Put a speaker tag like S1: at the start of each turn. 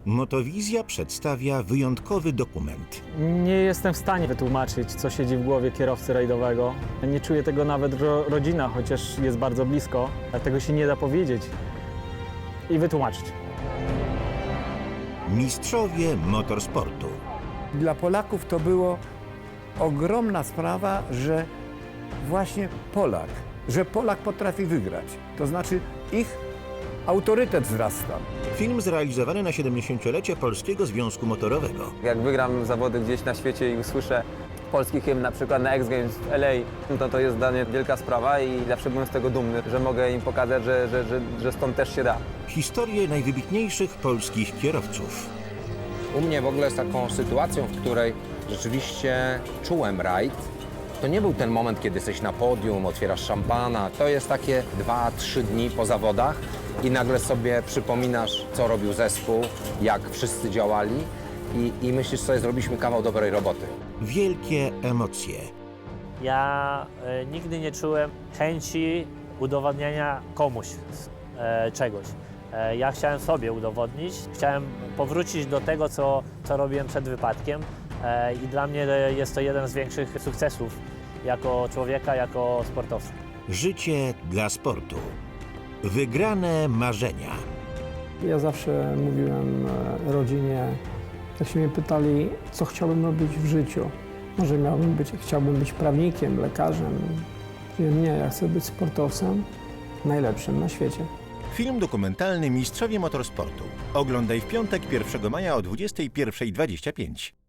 S1: Motowizja przedstawia wyjątkowy dokument.
S2: Nie jestem w stanie wytłumaczyć, co siedzi w głowie kierowcy rajdowego. Nie czuje tego nawet rodzina, chociaż jest bardzo blisko. Tego się nie da powiedzieć i wytłumaczyć.
S1: Mistrzowie motorsportu.
S3: Dla Polaków to było ogromna sprawa, że właśnie Polak potrafi wygrać. To znaczy ich autorytet wzrasta.
S1: Film zrealizowany na 70-lecie Polskiego Związku Motorowego.
S4: Jak wygram zawody gdzieś na świecie i usłyszę polski hymn, na przykład na X Games w LA, to jest dla mnie wielka sprawa i zawsze byłem z tego dumny, że mogę im pokazać, że stąd też się da.
S1: Historie najwybitniejszych polskich kierowców.
S5: U mnie w ogóle jest taką sytuacją, w której rzeczywiście czułem rajd. To nie był ten moment, kiedy jesteś na podium, otwierasz szampana. To jest takie 2-3 dni po zawodach i nagle sobie przypominasz, co robił zespół, jak wszyscy działali i myślisz sobie, zrobiliśmy kawał dobrej roboty.
S1: Wielkie emocje.
S6: Ja nigdy nie czułem chęci udowodnienia komuś czegoś. Ja chciałem sobie udowodnić, chciałem powrócić do tego, co robiłem przed wypadkiem i dla mnie jest to jeden z większych sukcesów jako człowieka, jako sportowca.
S1: Życie dla sportu. Wygrane marzenia.
S7: Ja zawsze mówiłem rodzinie, jak się mnie pytali, co chciałbym robić w życiu. Może chciałbym być prawnikiem, lekarzem. Nie, ja chcę być sportowcem, najlepszym na świecie.
S1: Film dokumentalny Mistrzowie Motorsportu. Oglądaj w piątek 1 maja o 21:25.